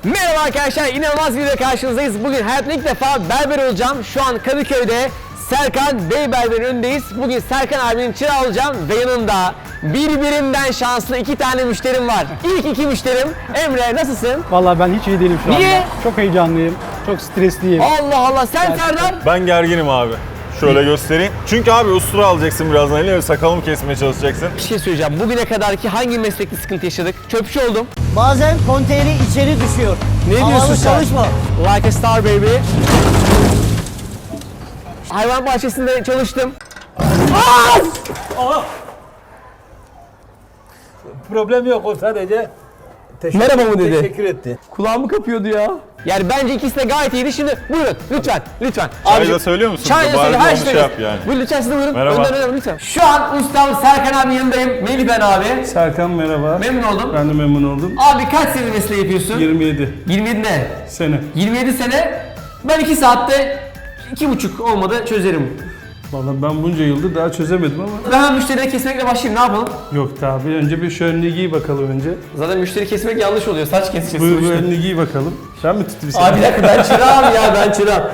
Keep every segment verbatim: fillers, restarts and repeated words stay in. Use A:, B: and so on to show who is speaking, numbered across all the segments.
A: Merhaba arkadaşlar, inanılmaz bir video karşınızdayız. Bugün hayatımda ilk defa berber olacağım. Şu an Kadıköy'de Serkan Bey Berber'in önündeyiz. Bugün Serkan abinin çırağı olacağım ve yanımda birbirinden şanslı iki tane müşterim var. İlk iki müşterim. Emre, nasılsın?
B: Vallahi ben hiç iyi değilim şu
A: Niye?
B: anda. Çok heyecanlıyım, çok stresliyim.
A: Allah Allah, sen Serdar.
C: Ben gerginim abi. Şöyle göstereyim. Çünkü abi ustura alacaksın birazdan eline ve sakalımı kesmeye çalışacaksın.
A: Bir şey söyleyeceğim. Bugüne kadarki hangi meslekte sıkıntı yaşadık? Çöpçü oldum.
D: Bazen konteyneri içeri düşüyor.
A: Ne diyorsun
D: Havalı
A: sen?
D: çalışma.
A: Like a star baby. Hayvan bahçesinde çalıştım.
E: Problem yok, o sadece teşekkür,
A: Merhaba mı dedi?
E: teşekkür etti.
A: Kulağımı kapıyordu ya. Yani bence ikisi de gayet iyiydi. Şimdi buyurun lütfen, lütfen.
C: Çay
A: Abicim,
C: da söylüyor musun?
A: Çay da
C: Bari
A: söyle,
C: onu
A: her
C: şey
A: şey
C: yap yani.
A: Buyurun lütfen, siz de buyurun.
C: Merhaba.
A: Önden önden lütfen. Şu an ustam Serkan abinin yanındayım. Melih ben abi.
B: Serkan merhaba.
A: Memnun oldum.
B: Ben de memnun oldum.
A: Abi kaç sene mesleği yapıyorsun?
B: yirmi yedi
A: yirmi yedi ne?
B: sene.
A: yirmi yedi sene. Ben iki saatte iki buçuk olmadı çözerim.
B: Vallahi ben bunca yıldır daha çözemedim ama.
A: Ben hemen müşterileri kesmekle başlayayım, ne yapalım?
B: Yok tabi. Önce bir şu önlüğü giy bakalım önce.
A: Zaten müşteri kesmek yanlış oluyor. Saç keseceğiz.
B: Buyur bu
A: sonuçta.
B: önlüğü giy bakalım. Sen mi tutayım seni?
A: Abi bir dakika, ben çırağım ya, ben çırağım.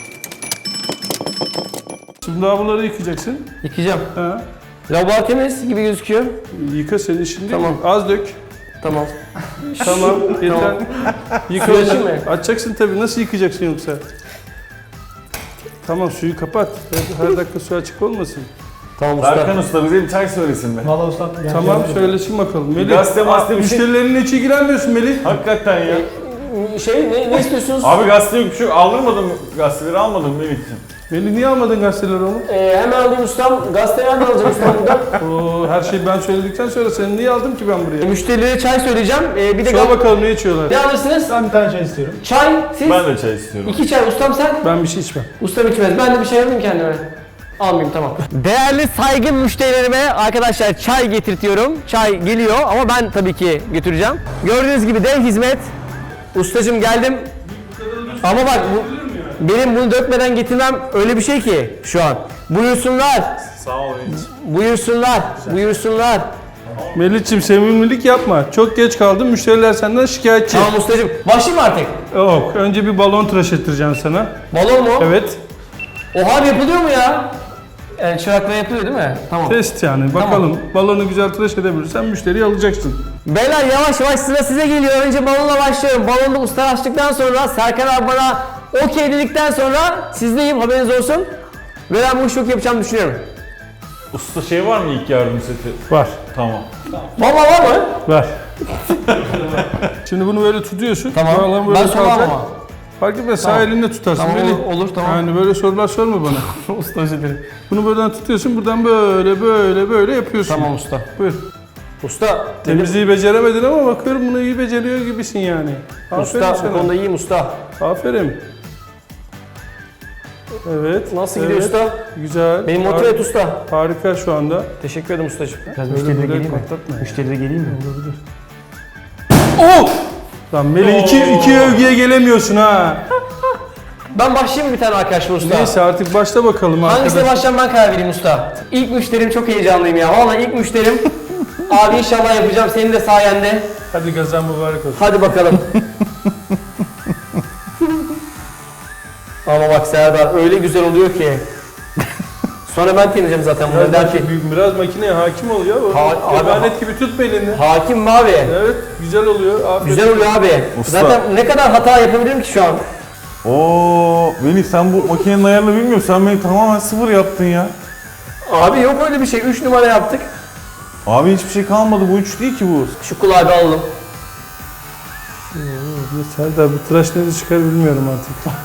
B: Şimdi daha bunları yıkayacaksın.
A: Yıkayacağım.
B: Ha.
A: Laboratuvar temiz gibi gözüküyor.
B: Yıka senin şimdi.
A: Tamam.
B: Az dök.
A: Tamam.
B: Tamam. Yeter. Yıka.
A: Suyu açayım mı?
B: Açacaksın tabii. Nasıl yıkayacaksın yoksa? Tamam, suyu kapat. Her, her dakika su açık olmasın.
A: Tamam usta.
C: Serkan Usta bize bir çay söylesin be.
E: Valla ustam.
B: Tamam, söylesin bakalım. Melih,
C: Gazete mazete bir şey-
B: müşterilerin içi giremiyorsun Melih.
C: Hakikaten ya.
A: Şey ne, ne istiyorsunuz?
C: Abi gazete yok bir şey yok. Aldırmadın mı? Gazeteleri almadın mı benim için?
B: Melih niye almadın gazeteleri oğlum?
A: Ee, hemen alayım ustam. Gazeteyi hemen alacağım ustam buradan.
B: Oo, her şeyi ben söyledikten sonra seni niye aldım ki ben buraya?
A: Müşterilere çay söyleyeceğim. Ee, bir de
B: Sor
A: gaz...
B: bakalım ne içiyorlar?
A: Ne alırsınız?
E: Ben bir tane çay istiyorum.
A: Çay, siz?
C: Ben de çay istiyorum.
A: İki çay. Ustam sen?
B: Ben bir şey içmem.
A: Ustam içmez. Ben de bir şey alayım kendime. Almayayım, tamam. Değerli saygın müşterilerime arkadaşlar çay getirtiyorum. Çay geliyor ama ben tabii ki götüreceğim. Gördüğünüz gibi dev hizmet. Ustacım geldim. Ama bak bu, benim bunu dökmeden getirmem öyle bir şey ki şu an. Buyursunlar.
C: Sağ ol hiç.
A: Buyursunlar. Buyursunlar.
B: Melih'ciğim sevimlilik yapma. Çok geç kaldın. Müşteriler senden şikayetçi.
A: Tamam ustacım. Başlayayım mı artık?
B: Yok. Önce bir balon tıraş ettireceğim sana.
A: Balon mu?
B: Evet.
A: Oha, yapılıyor mu ya? Yani çırakla yapılıyor değil mi? Tamam.
B: Test yani. Bakalım. Balonu güzel tıraş edebilirsen müşteriyi alacaksın.
A: Beyler yavaş yavaş sıra size geliyor. Önce balonla başlıyorum. Balonda usta açtıktan sonra Serkan abi bana okey dedikten sonra sizdeyim, haberiniz olsun. Ve ben bu işi çok yapacağımı düşünüyorum.
C: Usta şey var mı ilk yardım seti?
B: Var.
C: Tamam.
A: Vallahi var mı?
B: Var. Şimdi bunu böyle tutuyorsun.
A: Tamam.
B: Balon böyle
A: Ben sormam
B: kalacak.
A: ama.
B: Fark etmez. Sağ
A: Tamam.
B: elinle tutarsın.
A: Tamam,
B: Melih.
A: olur, olur, tamam.
B: Yani böyle sorular sorma bana.
A: Usta özür dilerim.
B: Bunu buradan tutuyorsun. Buradan böyle böyle böyle yapıyorsun.
A: Tamam usta.
B: Buyur.
A: Usta, dedim,
B: Temizliği beceremedin ama bakıyorum bunu iyi beceriyor gibisin yani. Aferin
A: usta
B: sana.
A: bu konuda iyiyim usta.
B: Aferin. Evet.
A: Nasıl gidiyor
B: evet.
A: usta?
B: Güzel.
A: Beni motive et usta.
B: Harika şu anda.
A: Teşekkür ederim ustacığım. Biraz
B: Böyle
A: müşterilere
B: böyle
A: geleyim mi?
B: patlatma ya.
A: Müşterilere geleyim mi?
B: Oh! Lan Melih iki, iki övgüye gelemiyorsun ha.
A: Ben başlayayım mı bir tane arkadaşlar usta?
B: Neyse artık başla bakalım
A: Hangisine
B: arkadaş.
A: başlayacağım ben karar vereyim usta. İlk müşterim, çok heyecanlıyım ya. Vallahi ilk müşterim. Abi inşallah yapacağım senin de sayende.
B: Hadi gazan mübarek olsun.
A: Hadi bakalım. Ama bak Serdar öyle güzel oluyor ki. Sonra ben temizleyeceğim zaten bunları
B: Biraz,
A: derken.
B: maki- biraz makineye hakim ol ya.
A: Ha- abi-
B: Emanet gibi tut belini.
A: Hakim mi abi?
B: Evet güzel oluyor. Aferin.
A: Güzel oluyor abi.
C: Usta.
A: Zaten ne kadar hata yapabilirim ki şu an?
C: Oo, Melih sen bu makinenin ayarını bilmiyorsun. Sen beni tamamen sıfır yaptın ya.
A: Abi yok öyle bir şey. üç numara yaptık.
C: Abi hiçbir şey kalmadı. Bu üç değil ki bu.
A: Şu kulağı bir alalım.
B: Ya Serdar bu tıraş nerede çıkar bilmiyorum artık.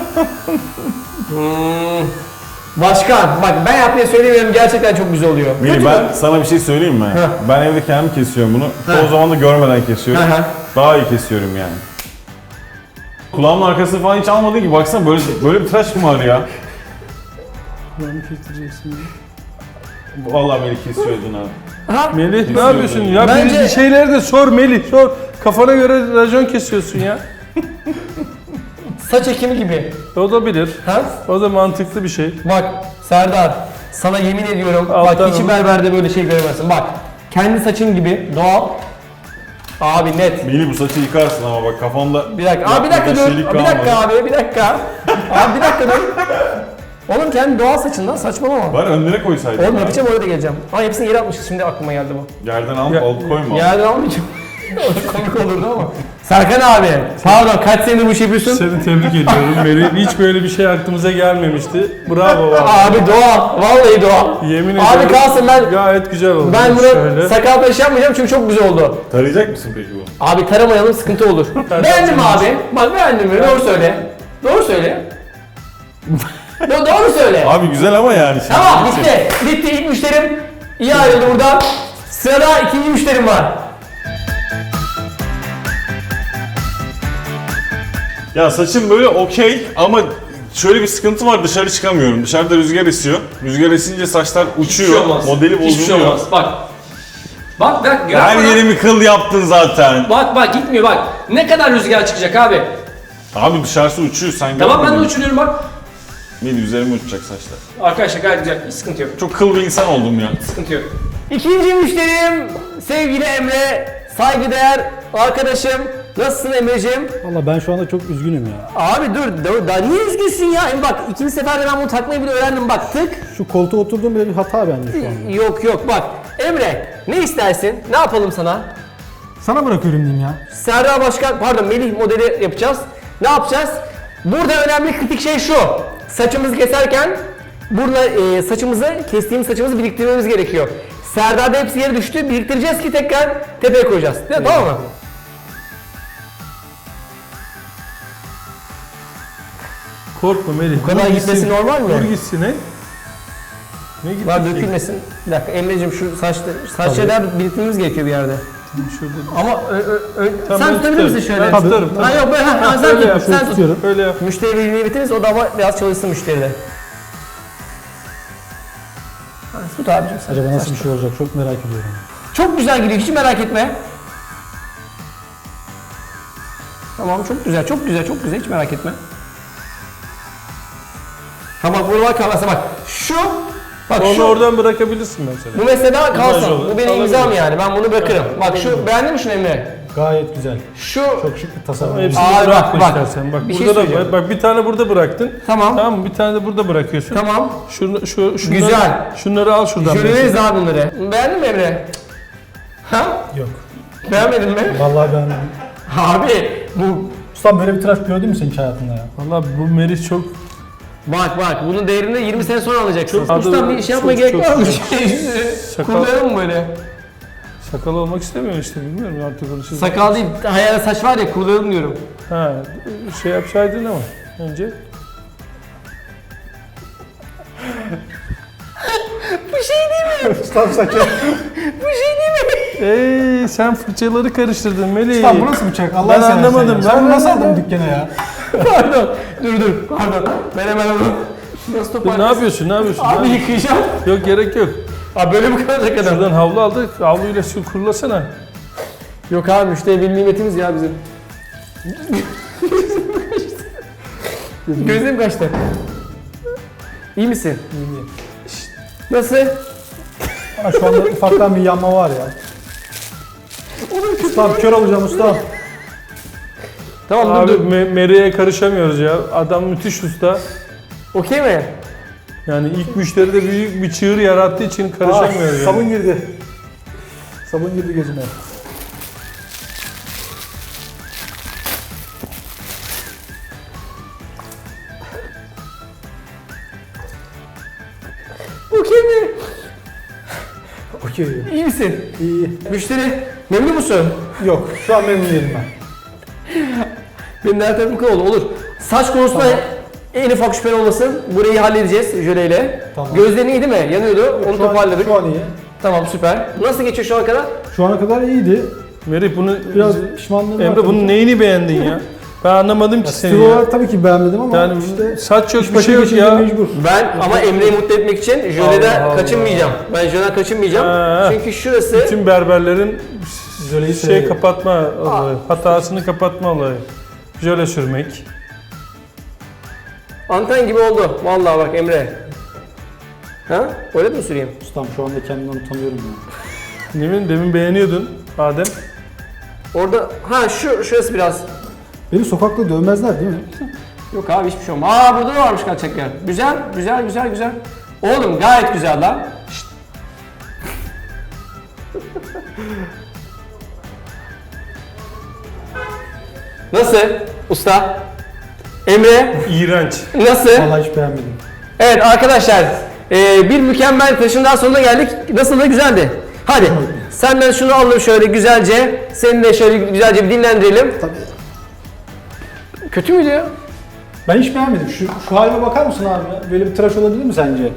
A: Hmm. Başkan bak ben yapmayı söylemiyorum, gerçekten çok güzel oluyor.
C: Melih ben sana bir şey söyleyeyim mi?
A: Heh.
C: Ben evde kendim kesiyorum bunu.
A: Heh.
C: O zaman da görmeden kesiyorum.
A: Hı hı.
C: Daha iyi kesiyorum yani. Kulağımın arkasını falan hiç almadın ki. Baksana böyle böyle bir tıraş mı var ya?
B: Kulağını kestireceksin.
C: Vallahi Melih kesiyordun ha.
A: Ha?
B: Melih ne yapıyorsun ya?
A: Bence-
B: Bir şeyleri de sor Melih sor. Kafana göre racon kesiyorsun ya.
A: Saç ekimi gibi.
B: O da bilir.
A: Ha?
B: O da mantıklı bir şey.
A: Bak Serdar, sana yemin ediyorum
B: Alttan
A: bak hiç
B: onu-
A: berberde böyle şey göremezsin. Bak kendi saçın gibi doğal. Abi net.
C: Melih bu saçı yıkarsın ama bak kafamda...
A: Bir dakika. Abi bir dakika dur.
C: Yeşillik
A: Bir dakika
C: kalmadı.
A: abi bir dakika. Abi bir dakika dur. Oğlum kendi doğal saçından saçmalama.
C: Bari önüne koysaydın.
A: Oğlum
C: ya.
A: yapacağım oraya da geleceğim. Ama hepsini yere atmışız şimdi aklıma geldi bu.
C: Yerden al,
B: Ya-
C: alıp koyma.
A: Yerden almayacağım. O da komik olurdu ama. Serkan abi, pardon kaç senedir bu işi yapıyorsun?
B: Seni tebrik ediyorum Meri. Hiç böyle bir şey aklımıza gelmemişti. Bravo abi.
A: Abi doğal, vallahi doğal.
B: Yemin
A: Abi
B: ediyorum.
A: kalsın ben
B: Gayet güzel oldu.
A: ben bunu
B: Şöyle.
A: sakal tıraşı yapmayacağım çünkü çok güzel oldu.
C: Tarayacak mısın peki bu?
A: Abi taramayalım sıkıntı olur. Beğendin mi abi? Bak beğendin mi? Doğru söyle. Doğru söyle. Do- doğru söyle.
C: Abi güzel ama yani. şimdi
A: Tamam
C: bir şey.
A: bitti. Bitti ilk müşterim. İyi ayrıldı buradan. Sırada ikinci müşterim var.
C: Ya saçım böyle okey ama şöyle bir sıkıntı var, dışarı çıkamıyorum. Dışarıda rüzgar esiyor. Rüzgar esince saçlar uçuyor. Modeli bozuluyor.
A: Hiçbir şey olmaz. Bak. Bak bak.
C: Her
A: yapma lan.
C: yerimi kıl yaptın zaten.
A: Bak bak gitmiyor bak. Ne kadar rüzgar çıkacak abi.
C: Abi dışarısı uçuyor sen
A: Tamam ben de
C: görmedin mi?
A: uçuruyorum bak.
C: Melih üzerime uçacak saçlar.
A: Arkadaşlar gayet güzel. Hiç sıkıntı yok.
C: Çok kıl bir insan oldum ya.
A: Sıkıntı yok. İkinci müşterim sevgili Emre. Saygıdeğer arkadaşım. Nasılsın Emre'ciğim?
E: Valla ben şu anda çok üzgünüm ya.
A: Abi dur, dur daha niye üzgünsün ya? Em bak ikinci seferde ben bunu takmayı bile öğrendim bak tık.
E: Şu koltuğa oturduğum bile bir hata bende şu anda.
A: Yok yok bak. Emre ne istersin? Ne yapalım sana?
E: Sana bırakıyorum diyeyim ya.
A: Serdar Başkan, pardon Melih modeli yapacağız. Ne yapacağız? Burada önemli kritik şey şu. Saçımızı keserken burada e, saçımızı, kestiğimiz saçımızı biriktirmemiz gerekiyor. Serdar'da hepsi yere düştü. Biriktireceğiz ki tekrar tepeye koyacağız. Değil mi? Tamam mı?
B: Korkma Melih.
A: Bu kadar gitmesi normal mi?
B: Dur gitsin he. Ne gitti?
A: Var dökülmesin. Bir dakika Emre'cim şu saçları, saç şeyler biriktirmemiz gerekiyor bir yerde.
B: Şurada.
A: Ama ö, ö, ö,
B: Tamam,
A: sen
B: ben
A: tutabilir misin
B: tutarım.
A: şöyle?
B: Ben tutarım,
A: Ha yok ben, ha, ha, sen
B: Öyle
A: tut,
B: yap,
A: sen tut.
E: tutuyorum.
B: Öyle yap.
A: Müşteri birliğini bitiririz, o da ama biraz çalışsın müşteride. Ha, tut abicim sen.
E: Acaba nasıl bir şey olacak çok merak ediyorum.
A: Çok güzel gidiyor, hiç merak etme. Tamam, çok güzel, çok güzel, çok güzel, hiç merak etme. Tamam, buralar kalmasa bak, şu, bak
B: Onu
A: şu,
B: oradan bırakabilirsin mesela.
A: bu mesela kalsın,
B: olur,
A: bu benim
B: alabilir.
A: imzam yani, ben bunu bırakırım. Bak şu, beğendin mi şunu Emre?
E: Gayet güzel.
A: Şu,
E: Çok şık bir tasarım.
B: Hepsini
A: Abi
B: bırakma
A: bak, bak.
B: istersen. Bak
A: Bir şey
B: burada da
A: söyleyeceğim.
B: bak, bir tane burada bıraktın.
A: Tamam.
B: Tamam mı? Bir tane de burada bırakıyorsun.
A: tamam,
B: Şunu, şu, şunları,
A: Güzel.
B: Şunları al şuradan.
A: jöleleriz abi bunları. Beğendin mi Emre? Ha?
E: Yok.
A: Beğenmedin mi?
E: Vallahi beğenmedim.
A: Abi, bu,
E: Ustam böyle bir tıraş gördün mü sen hiç hayatında ya?
B: Valla bu Merih çok
A: bak bak, bunun değerini yirmi sene sonra alacaksın.
B: Çok-
A: Ustam bir şey yapmaya
B: çok-
A: gerek
B: çok-
A: var mı?
B: Sakal-
A: Kurlayalım mı böyle?
B: sakal olmak istemiyor işte bilmiyorum artık onu siz.
A: Sakal değil, hayal saç var ya, kurlayalım diyorum.
B: Ha, şey yapsaydın ama önce.
A: Bu şey değil mi?
E: Ustam saçı.
A: Bu şey değil mi?
B: Ey sen fırçaları karıştırdın Melih.
E: Ustam bu nasıl bıçak? Allah
B: Ben
E: seversen
B: anlamadım,
E: ya.
B: ben
E: Sen bunu nasıl
B: anlamadım.
E: aldın dükkana ya?
A: Pardon, dur dur, pardon. Ben hemen onu... Nasıl
B: Dur, ne
A: toparlayayım?
B: yapıyorsun ne yapıyorsun?
A: Abi
B: Ne-
A: yıkayacağım.
B: Yok gerek yok.
A: Abi böyle mi kalacak adam?
B: Şuradan havlu aldık. Havluyla şu kurulasana.
A: Yok abi, müşteri bir nimetimiz ya bizim. Gözüm kaçtı. İyi misin?
E: İyiyim.
A: Nasıl?
E: Bana şu anda ufaktan bir yanma var ya. Ustam kör olacağım ustam.
A: Tamam
B: Abi
A: dur dur.
B: Me- Meri'ye karışamıyoruz ya. Adam müthiş usta.
A: Okey mi?
B: Yani ilk müşteride büyük bir çığır yarattığı için karışamıyoruz.
E: Ah,
B: yani.
E: sabun girdi. Sabun girdi gözüme.
A: Okey mi?
E: Okey.
A: İyi misin?
E: İyi.
A: Müşteri memnun musun?
E: Yok şu an memnun değilim ben.
A: Benim de her tarafım kıl oldu. Olur. Saç konusunda en ufak şüphen olmasın. Burayı halledeceğiz jöleyle.
E: Tamam.
A: Gözlerin iyi değil mi? Yanıyordu. Onu
E: Şu an-
A: toparladık.
E: Şu an iyi.
A: Tamam süper. Nasıl geçiyor şu ana kadar?
E: Şu ana kadar iyiydi.
B: Merih bunu
E: Biraz pişmanlığım var.
B: Emre
E: tabii
B: bunun
E: ki.
B: neyini beğendin ya? Ben anlamadım ki
E: Stil
B: seni ya.
E: olarak tabii ki beğenmedim ama
B: Yani
E: işte
B: saç yok
E: iş
B: bir
E: başa
B: şey yok
E: geçince
B: ya.
E: mecbur.
A: Ben ama Emre'yi mutlu etmek için jöleden
B: Allah
A: kaçınmayacağım. Ben jöleden kaçınmayacağım.
B: Ha.
A: Çünkü şurası
B: Bütün berberlerin
E: Jöleyi
B: şey
E: seviyorum.
B: kapatma olayı, hatasını kapatma olayı. Jöle sürmek.
A: anten gibi oldu. Vallahi bak Emre. Ha? Öyle mi süreyim?
E: Ustam şu anda kendimden utanıyorum ya.
B: Demin, demin beğeniyordun Adem.
A: Orada ha şu şurası biraz.
E: Beni sokakta dövmezler değil mi?
A: Yok abi hiçbir şey olmaz. Aa burada da varmış kaçak yer. Güzel, güzel, güzel, güzel. Oğlum gayet güzel lan. Şşt. Nasıl usta? Emre
B: İğrenç.
A: nasıl?
E: Vallahi hiç beğenmedim.
A: Evet arkadaşlar e, bir mükemmel taşın daha sonuna geldik. Nasıl da güzeldi. Hadi senden şunu alalım şöyle güzelce. Seni de şöyle güzelce bir dinlendirelim.
E: Tabii.
A: Kötü müydü ya?
E: Ben hiç beğenmedim. Şu, şu halime bakar mısın abi ya? Böyle bir tıraş olabilir mi sence?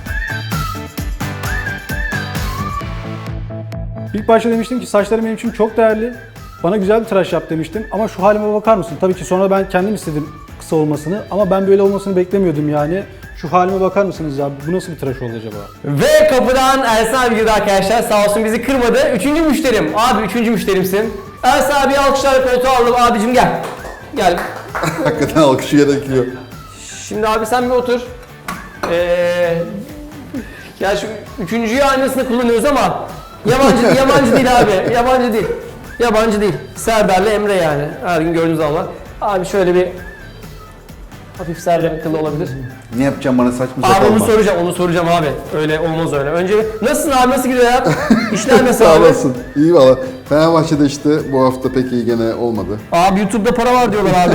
E: İlk başta demiştim ki saçlarım benim için çok değerli. Bana güzel bir tıraş yap demiştim ama şu halime bakar mısın? Tabii ki sonra ben kendim istedim kısa olmasını ama ben böyle olmasını beklemiyordum yani. Şu halime bakar mısınız ya? Bu nasıl bir tıraş oldu acaba?
A: Ve kapıdan Ersan abi girdi arkadaşlar. Sağ olsun bizi kırmadı. Üçüncü müşterim. Abi üçüncü müşterimsin. Ersan abi alkışlarla koltuğa aldım. Abicim gel. Gel.
F: Hakikaten alkışı gerekiyor.
A: Şimdi abi sen bir otur. Ee, ya şu üçüncüyü aynısını kullanıyoruz ama yabancı yabancı değil abi. Yabancı değil. Yabancı değil. Serdar'la Emre yani. Her gün gördüğünüz zaman. Abi şöyle bir hafif Serdar kılı olabilir.
F: Ne yapacağım bana saçma
A: Abi
F: sapan
A: onu
F: bak.
A: soracağım, onu soracağım abi. Öyle olmaz öyle. Önce nasılsın abi, nasıl gidiyor hayat? İşler nasıl
F: Sağ
A: abi?
F: olasın. İyi valla. Fenerbahçe'de işte bu hafta pek iyi gene olmadı.
A: Abi YouTube'da para var diyorlar abi.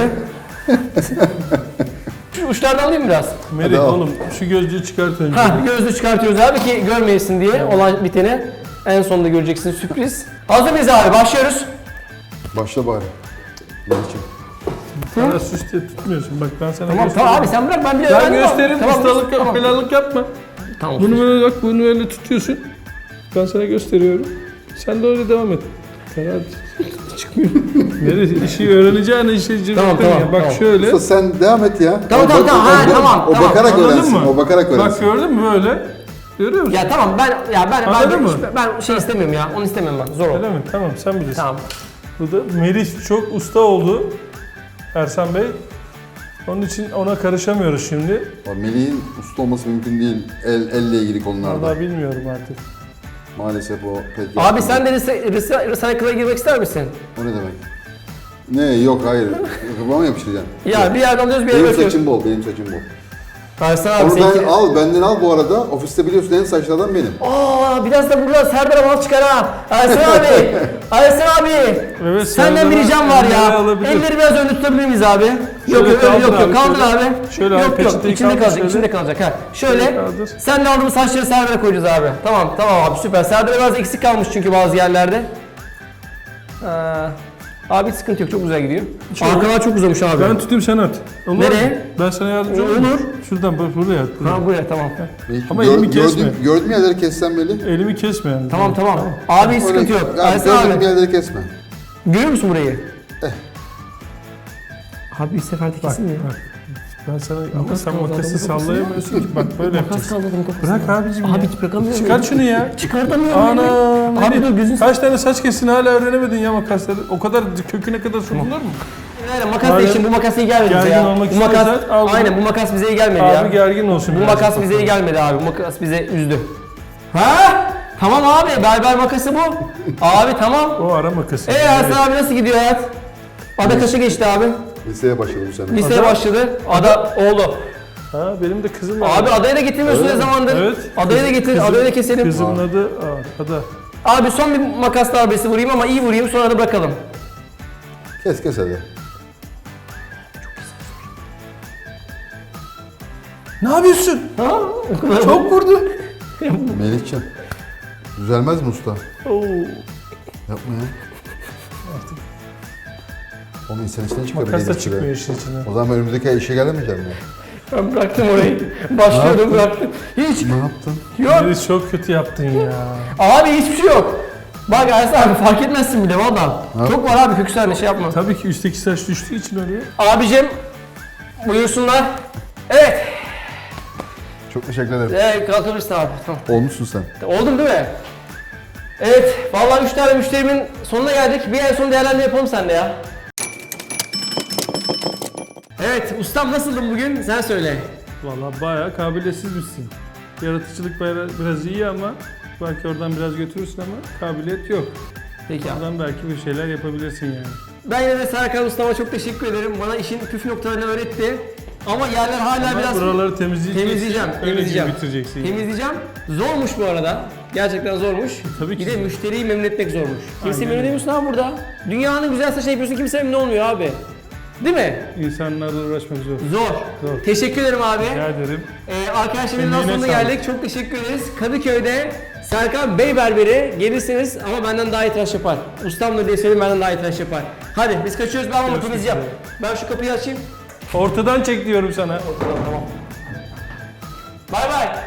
A: Şu uçlardan alayım biraz.
B: Melih
F: al.
B: oğlum şu gözlüğü çıkart önce.
A: Ha gözlüğü çıkartıyoruz abi ki görmeyesin diye olan biteni. En sonunda göreceksin sürpriz. Hazır mıyız abi? Başlıyoruz.
F: Başla bari. Melih'ciğim.
B: Bana süs diye tutmuyorsun. Bak ben sana
A: Tamam
B: göstereyim.
A: tamam abi sen bırak ben bile
B: Ben
A: öğrendim ama.
B: gösteririm.
A: Tamam,
B: Ustalık yap,
A: tamam.
B: belalık yapma.
A: Tamam.
B: Bunu böyle bak, bunu öyle tutuyorsun. Ben sana gösteriyorum. Sen de öyle devam et. Karar çıkmıyor. Neresi? İşi öğreneceğin işi cırtın
A: Tamam, tamam,
B: ya. Bak
A: tamam.
B: şöyle.
F: Usta sen devam et ya.
A: Tamam,
F: O
A: tamam,
F: bak-
A: tamam.
F: o-
A: Ha,
F: o-
A: tamam,
F: O
A: tamam.
F: bakarak
B: Anladın
F: öğrensin.
B: mı?
F: O bakarak
B: Bak
F: öğrensin.
B: gördün mü böyle? Görüyor musun?
A: Ya tamam ben ya ben
B: Anladın
A: ben,
B: mı?
A: ben şey istemiyorum ya. Onu istemiyorum ben. Zor
B: Öyle
A: oldu.
B: mi? Tamam sen bilirsin.
A: Tamam.
B: Bu da Melih çok usta oldu. Ersan Bey. Onun için ona karışamıyoruz şimdi.
F: O Melih'in usta olması mümkün değil. El, elle ilgili konularda.
B: Vallahi bilmiyorum artık.
F: Maalesef o pek
A: Abi
F: yapmıyor.
A: sen de recycle'a girmek ister misin?
F: O ne demek? Ne yok hayır. Kafama mı yapıştıracaksın?
A: Ya bir yerden alıyoruz bir yere
F: Benim
A: bırakıyoruz.
F: saçım bol, benim saçım bol.
A: Ersan abi
F: Onu
A: seninki...
F: ben al, benden al bu arada. Ofiste biliyorsun en saçlardan benim.
A: Aa biraz da burada Serdar'a mal çıkar ha. Ersan abi. Ersan abi.
B: Evet,
A: Senden bir
B: Serdar'a
A: ricam var
B: elleri
A: ya.
B: alabilir.
A: Elleri biraz önde tutabilir miyiz abi? Yok
B: Şöyle
A: yok öyle
B: kaldır
A: yok yok
B: abi,
A: kaldır
B: şöyle.
A: abi.
B: Şöyle abi,
A: yok yok
B: peçeteyi
A: içinde
B: kaldır
A: kalacak
B: şöyle.
A: içinde kalacak ha. Şöyle
B: Şöyle kaldır.
A: sen de aldığımız saçları Serdar'a koyacağız abi. Tamam tamam abi süper. Serdar'a biraz eksik kalmış çünkü bazı yerlerde. Aa, abi hiç sıkıntı yok çok güzel gidiyor. Arkalar çok uzamış abi.
B: Ben tutayım sen at. Olur
A: Nereye?
B: mu? Ben sana yardımcı
A: Olur.
B: olayım. Şuradan bak buraya at. Buraya.
A: Ha buraya tamam.
F: Belki
B: Ama
F: gör-
B: elimi kesme.
F: Gördüğüm, gördüğüm yerleri kessen Melih.
B: Elimi kesme yani.
A: Tamam tamam. Abi hiç sıkıntı yok.
F: Ya,
A: Ersan
F: gördüğüm
A: abi.
F: yerleri kesme.
A: Görüyor musun burayı?
F: Eh.
A: Abi bir seferde kesin ya.
B: Bak. Ben sana ama
A: Makas
B: sen
A: kaldı
B: makası
A: adamın kafasına.
B: sallayamıyorsun ki. Bak böyle
A: Makas
B: yapacaksın.
A: kaldırdım kafasına.
B: Bırak abicim
A: Abi
B: ya.
A: hiç bırakamıyorum.
B: Çıkar şunu ya.
A: Çıkartamıyorum.
B: Ana.
A: beni. Abi dur gözün
B: Kaç tane saç kestin hala öğrenemedin ya makasları. O kadar köküne kadar sokulur mu?
A: Aynen makas da
B: Madem
A: için bu makas iyi gelmedi bize
B: gergin
A: ya.
B: olmak
A: Bu makas,
B: istiyorsan al bunu.
A: aynen bu makas bize iyi gelmedi
B: Abi
A: ya.
B: gergin olsun
A: Bu
B: birazcık
A: makas bize iyi
B: bakalım.
A: gelmedi abi. Bu makas bize üzdü. Ha? Tamam abi berber makası bu. Abi tamam.
B: O ara makası.
A: Eee Ersan abi nasıl gidiyor hayat? Ada kaça geçti abi?
F: Liseye başladım bu sene.
A: Liseye
B: Ada-
A: başladı. Ada oğlu.
B: Ha benim de kızım var.
A: Abi adayı da getirmiyorsun ne zamandır?
B: Evet.
A: Adayı da getir,
B: Kızım-
A: adayı da keselim.
B: Kızımın adı Aa, Ada.
A: Abi son bir makas darbesi vurayım ama iyi vurayım sonra da bırakalım.
F: Kes kes hadi.
B: Ne yapıyorsun?
A: Ha? O kadar
B: Çok vurdu.
F: Melihcan. Düzelmez mi usta?
B: Oo.
F: Yapma ya. Onu insan içinden çıkar.
B: Makas da
F: Melih
B: çıkmıyor
F: şuraya.
B: işin içine.
F: O zaman ben önümüzdeki ay işe gelemeyeceğim ya.
A: Ben bıraktım orayı. Başlıyordum bıraktım. Hiç
F: Ne yaptın?
A: yok.
B: Melis çok kötü yaptın ya.
A: Abi hiçbir şey yok. Bak Ersan abi fark etmezsin bile valla.
F: Ha?
A: Çok var abi köküslerle şey yapma.
B: Tabii ki üstteki saç düştüğü için oraya.
A: Abicim buyursunlar. Evet.
F: Çok teşekkür ederim.
A: Evet kalkabilirsin abi. Tamam.
F: Olmuşsun sen.
A: Oldum değil mi? Evet. Vallahi üç tane müşterimin sonuna geldik. Bir en son değerlendirme yapalım seninle ya. Evet ustam nasıldın bugün? Sen söyle.
B: Vallahi bayağı kabiliyetsiz misin. Yaratıcılık bayağı biraz iyi ama belki oradan biraz götürürsün ama kabiliyet yok.
A: Peki abi.
B: Buradan belki bir şeyler yapabilirsin yani.
A: Ben yine de Serkan Usta'ma çok teşekkür ederim. Bana işin püf noktalarını öğretti. Ama yerler hala
B: Ama
A: biraz...
B: buraları temizleyeceksin.
A: Temizleyeceğim,
B: Öyle
A: temizleyeceğim.
B: bitireceksin. yani.
A: Temizleyeceğim. Zormuş bu arada. Gerçekten zormuş.
B: Tabii ki
A: Bir de
B: zor.
A: müşteriyi memnun etmek zormuş. Kimse
B: Aynen
A: memnun
B: öyle.
A: edemiyorsun abi burada. Dünyanın güzel saçını yapıyorsun, kimse memnun olmuyor abi. Değil mi?
B: İnsanlarla uğraşmak zor.
A: Zor.
B: Zor.
A: Teşekkür ederim abi.
B: Rica ederim.
A: Ee, arkadaşlar videonun
B: Emeğine
A: sonuna
B: sağlık.
A: geldik. Çok teşekkür ederiz. Kadıköy'de Serkan Bey Berberi gelirseniz ama benden daha iyi tıraş yapar. Ustamdır diye söyleyeyim, benden daha iyi tıraş yapar. Hadi biz kaçıyoruz. Ben ama
B: Görüşmek
A: temizleyeceğim.
B: üzere.
A: Ben şu kapıyı açayım.
B: Ortadan çek diyorum sana.
A: Bay bay.